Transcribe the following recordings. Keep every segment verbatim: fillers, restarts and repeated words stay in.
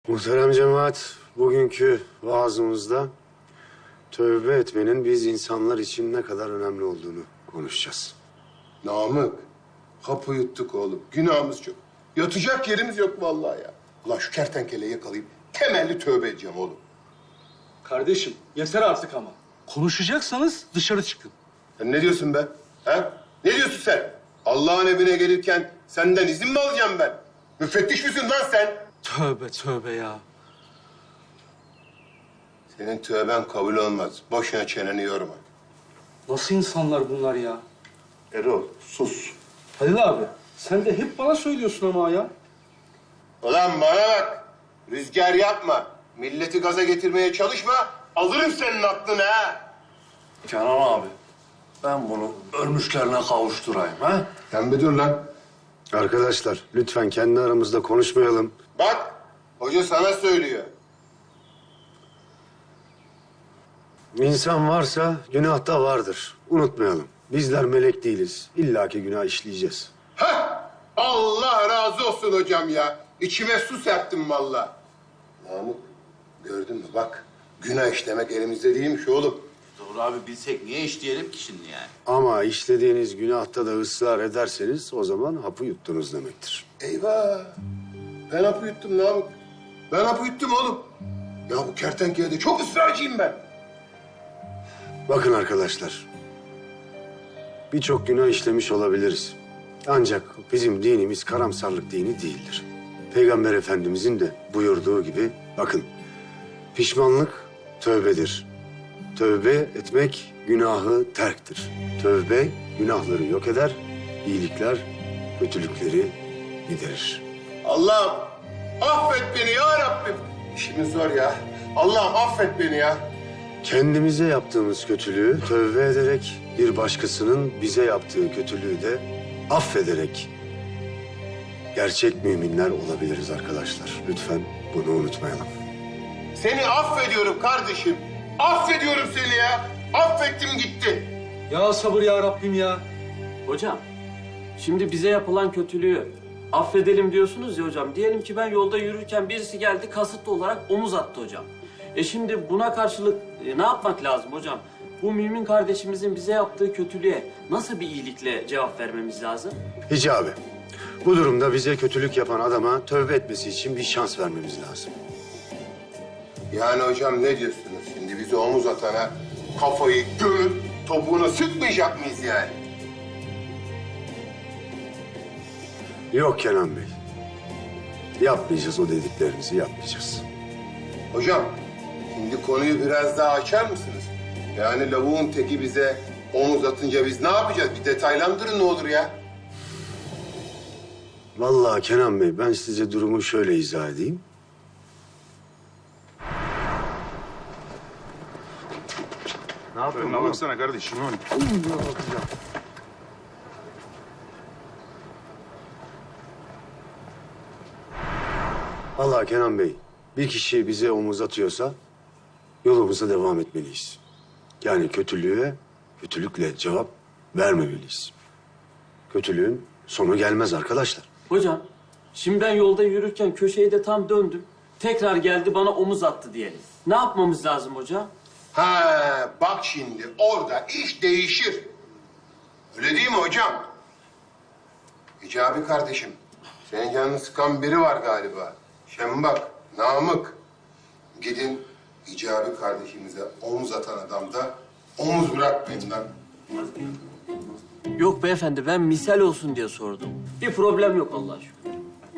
Muhterem cemaat, bugünkü vaazımızda tövbe etmenin biz insanlar için ne kadar önemli olduğunu konuşacağız. Namık, hapı yuttuk oğlum. Günahımız çok. Yatacak yerimiz yok vallahi ya. Ulan şu kertenkeleyi yakalayıp temelli tövbe edeceğim oğlum. Kardeşim yeter artık ama. Konuşacaksanız dışarı çıkın. Sen ne diyorsun be? Ha? Ne diyorsun sen? Allah'ın evine gelirken senden izin mi alacağım ben? Müfettiş misin lan sen? Tövbe tövbe ya. Senin tövben kabul olmaz. Boşuna çeneni yorma. Nasıl insanlar bunlar ya? Erol, sus. Halil abi sen de hep bana söylüyorsun ama ya. Ulan bana bak. Rüzgar yapma. Milleti gaza getirmeye çalışma. Alırım senin aklını ha. Kenan abi, ben bunu ölmüşlerine kavuşturayım ha? Sen bir dur lan. Arkadaşlar, lütfen kendi aramızda konuşmayalım. Bak, hoca sana söylüyor. İnsan varsa günah da vardır. Unutmayalım. Bizler melek değiliz. İlla ki günah işleyeceğiz. Hah! Allah razı olsun hocam ya. İçime su serptim vallahi. Namık, gördün mü bak. Günah işlemek elimizde değilmiş oğlum. Doğru abi bilsek niye işleyelim ki şimdi yani? Ama işlediğiniz günahta da ısrar ederseniz o zaman hapı yuttunuz demektir. Eyvah! Ben hapı yuttum Namık. Ben hapı yuttum oğlum. Ya bu kertenkelede çok ısrarcıyım ben. Bakın arkadaşlar, birçok günah işlemiş olabiliriz. Ancak bizim dinimiz karamsarlık dini değildir. Peygamber Efendimizin de buyurduğu gibi, bakın, pişmanlık tövbedir. Tövbe etmek günahı terktir. Tövbe günahları yok eder, iyilikler kötülükleri giderir. Allah'ım affet beni ya Rabbim. İşimiz zor ya. Allah'ım affet beni ya. Kendimize yaptığımız kötülüğü tövbe ederek, bir başkasının bize yaptığı kötülüğü de affederek gerçek müminler olabiliriz arkadaşlar. Lütfen bunu unutmayalım. Seni affediyorum kardeşim. Affediyorum seni ya. Affettim gitti. Ya sabır ya Rabbim ya. Hocam, şimdi bize yapılan kötülüğü affedelim diyorsunuz ya hocam. Diyelim ki ben yolda yürürken birisi geldi kasıtlı olarak omuz attı hocam. E şimdi buna karşılık e, ne yapmak lazım hocam? Bu mümin kardeşimizin bize yaptığı kötülüğe nasıl bir iyilikle cevap vermemiz lazım? Hicabi, bu durumda bize kötülük yapan adama tövbe etmesi için bir şans vermemiz lazım. Yani hocam ne diyorsunuz şimdi? Bizi omuz atana kafayı gömüp topuğuna sıkmayacak mıyız yani? Yok Kenan Bey. Yapmayacağız, o dediklerinizi yapmayacağız. Hocam şimdi konuyu biraz daha açar mısınız? Yani lavuğun teki bize omuz atınca biz ne yapacağız? Bir detaylandırın ne olur ya. Vallahi Kenan Bey, ben size durumu şöyle izah edeyim. Ne yapıyorsun? Önüne baksana kardeşim. Vallahi Kenan Bey, bir kişi bize omuz atıyorsa yolumuza devam etmeliyiz. Yani kötülüğe kötülükle cevap vermemeliyiz. Kötülüğün sonu gelmez arkadaşlar. Hocam, şimdi ben yolda yürürken köşeyi de tam döndüm. Tekrar geldi bana omuz attı diyelim. Ne yapmamız lazım hocam? Ha bak şimdi orada iş değişir. Öyle değil mi hocam? Hicabi kardeşim, senin canını sıkan biri var galiba. Şembak, Namık. Gidin Hicabi kardeşimize omuz atan adamda omuz bırakmayın lan. Yok beyefendi, ben misal olsun diye sordum. Bir problem yok Allah'a şükür.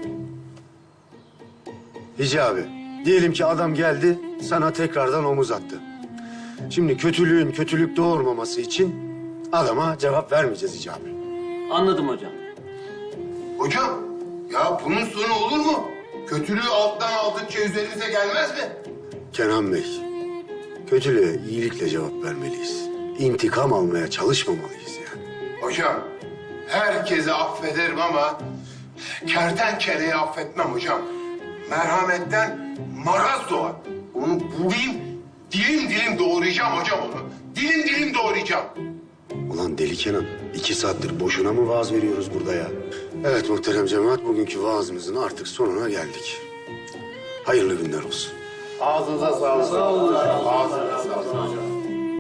Hicabi, diyelim ki adam geldi, sana tekrardan omuz attı. Şimdi kötülüğün kötülük doğurmaması için adama cevap vermeyeceğiz Hicabi. Anladım hocam. Hocam, ya bunun sonu olur mu? Kötülüğü alttan aldıkça üzerimize gelmez mi? Kenan Bey, kötülüğe iyilikle cevap vermeliyiz. İntikam almaya çalışmamalıyız yani. Hocam, herkese affederim ama kertenkeleyi affetmem hocam. Merhametten maraz doğar. Onu bulayım, dilim dilim doğrayacağım hocam onu. Dilim dilim doğrayacağım. Ulan deli Kenan, iki saattir boşuna mı vaaz veriyoruz burada ya? Evet muhterem cemaat, bugünkü vaazımızın artık sonuna geldik. Hayırlı günler olsun. Ağzınıza sağlık. Sağ olun. Ağzınıza